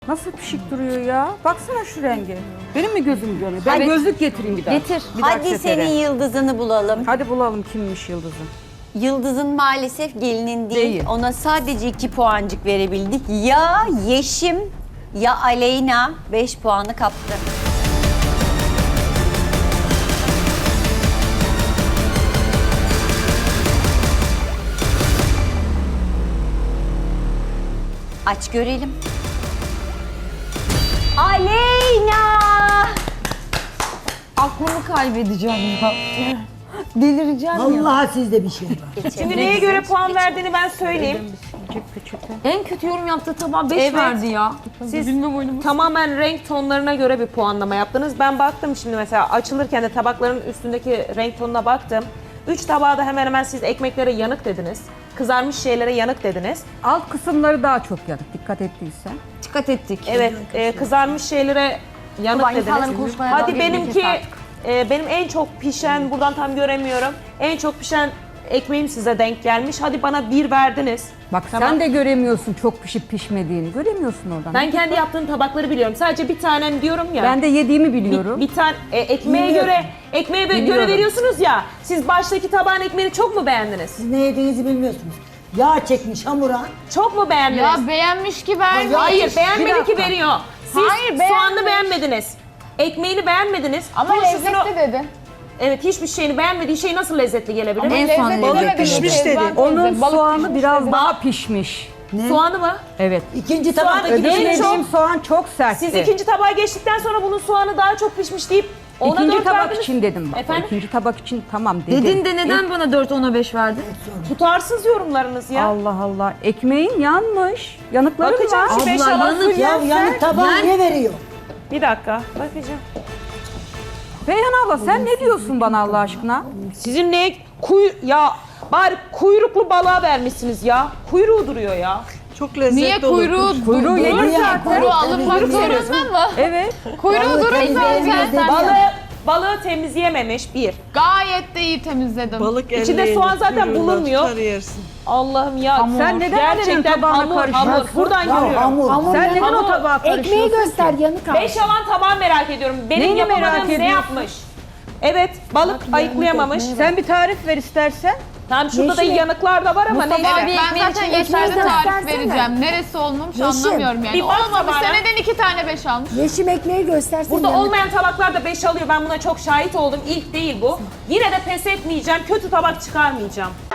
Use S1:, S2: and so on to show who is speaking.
S1: Nasıl pişik duruyor ya? Baksana şu renge. Benim mi gözüm görüyor? Ben
S2: Hadi.
S1: gözlük getireyim bir daha.
S2: Getir.
S1: Bir dahaki
S2: Hadi
S1: sefere.
S2: senin yıldızını bulalım.
S1: Hadi bulalım kimmiş yıldızı.
S2: Yıldızın maalesef gelinin değil.
S1: Değil.
S2: Ona sadece 2 puancık verebildik. Ya Yeşim ya Aleyna 5 puanı kaptı. Aç görelim. Aleyna!
S3: Aklımı kaybedeceğim ya. Delireceğim ya.
S4: Vallahi sizde bir şey var.
S5: Şimdi neye göre puan verdiğini ben söyleyeyim.
S3: En kötü yorum yaptığı tabağa 5
S5: Evet.
S3: verdi ya.
S5: Siz tamamen renk tonlarına göre bir puanlama yaptınız. Ben baktım şimdi mesela açılırken de tabakların üstündeki renk tonuna baktım. 3 tabağa da hemen hemen siz ekmeklere yanık dediniz. Kızarmış şeylere yanık dediniz.
S1: Alt kısımları daha çok yanık dikkat ettiysen.
S3: Dikkat ettik.
S5: Evet, kızarmış şeylere yanık
S3: Baba, insanların
S5: dediniz.
S3: konuşmaya
S5: Hadi
S3: dalga
S5: benimki,
S3: geçmeyeceğiz
S5: benim en çok pişen, buradan tam göremiyorum. En çok pişen ekmeğim size denk gelmiş. Hadi bana 1 verdiniz.
S1: Bak
S5: Tamam.
S1: sen de göremiyorsun çok pişip pişmediğini. Göremiyorsun oradan.
S5: Ben kendi yaptığım tabakları biliyorum. Sadece bir tanem diyorum ya.
S1: Ben de yediğimi biliyorum.
S5: Bir tane ekmeğe
S4: Biliyorum.
S5: göre
S1: Biliyorum.
S5: veriyorsunuz ya. Siz baştaki tabağın ekmeğini çok mu beğendiniz?
S4: Siz ne yediğinizi bilmiyorsunuz. Yağ çekmiş hamura.
S5: Çok mu beğendiniz?
S6: Ya beğenmiş ki vermiş.
S5: Hayır,
S4: Bir
S5: beğenmedi ki
S4: dakika.
S5: veriyor. Siz
S6: Hayır, beğenmiş.
S5: soğanını beğenmediniz. Ekmeğini beğenmediniz.
S6: Ama
S5: turşusunu-
S6: lezzetli dedi.
S5: Evet, hiçbir şeyini beğenmediği şey nasıl lezzetli gelebilir?
S6: Ama
S3: En
S6: lezzetli
S3: son
S6: demedi
S3: lezzet
S6: pişmiş
S3: dedi.
S6: dedi.
S1: Onun soğanı biraz daha pişmiş.
S5: Soğanı mı?
S1: Evet.
S4: İkinci
S5: Soğanı
S4: tabak.
S5: gidiyor.
S1: Öbür
S5: En
S1: yediğim
S5: çok-
S1: soğan çok sertti.
S5: Siz ikinci tabağa geçtikten sonra bunun soğanı daha çok pişmiş deyip ona
S1: İkinci
S5: 4
S1: tabak
S5: verdiniz.
S1: için dedim bak.
S5: Efendim?
S1: İkinci tabak için tamam dedim.
S3: Dedin de neden bana 4 ona 5 verdin?
S5: Tutarsız yorumlarınız ya.
S1: Allah Allah. Ekmeğin yanmış. Yanıkları
S5: Bakacağım
S1: var.
S5: şu 5
S3: Abla,
S5: alan.
S3: yanık
S4: Ya yanık tabağı niye veriyor?
S5: Bir dakika, bakacağım.
S1: Reyhan abla sen ne diyorsun bana Allah aşkına?
S5: Sizin ne ya bari kuyruklu balığa vermişsiniz ya. Kuyruğu duruyor ya.
S7: Çok lezzetli
S6: Niye kuyruğu
S1: Kuyruğu
S6: durur
S1: yedim
S6: zaten? Kuyruğu alınmak zorunda mı?
S1: Evet.
S6: Kuyruğu durur zaten.
S5: Balığı temizleyememiş bir.
S6: Gayet de iyi temizledim.
S7: Balık
S5: İçinde
S7: elleğini
S5: soğan zaten
S7: kuyruğundan
S5: bulunmuyor.
S7: tutar yersin.
S5: Allah'ım ya.
S1: Sen neden annenin
S5: gerçekten
S1: tabağına
S5: hamur.
S1: karışıyorsun?
S5: Buradan
S4: Ya
S5: görüyorum.
S4: hamur.
S1: Sen neden o
S5: Hamur.
S1: tabağa karışıyorsun?
S8: göster yanık al.
S5: 5 alan tabağı merak ediyorum. Benim
S1: Neyini merak
S5: yapamadığım ne
S1: ediyorsun?
S5: yapmış? Evet, balık ayıklayamamış.
S1: Sen bir tarif ver istersen.
S5: Tamam, şurada da
S8: Yeşil.
S5: yanıklar da var ama neyse.
S6: Evet, ben zaten yeterli tarif
S8: göstersene.
S6: vereceğim. Neresi olmamış
S8: Yeşim.
S6: anlamıyorum yani.
S5: Bir bak
S6: Olmamış
S5: tabağına.
S6: seneden 2 tane 5 almış.
S8: Yeşim ekmeği göstersin.
S5: Burada
S8: yanık.
S5: olmayan tabaklar da 5 alıyor. Ben buna çok şahit oldum. İlk değil bu. Yine de pes etmeyeceğim. Kötü tabak çıkarmayacağım.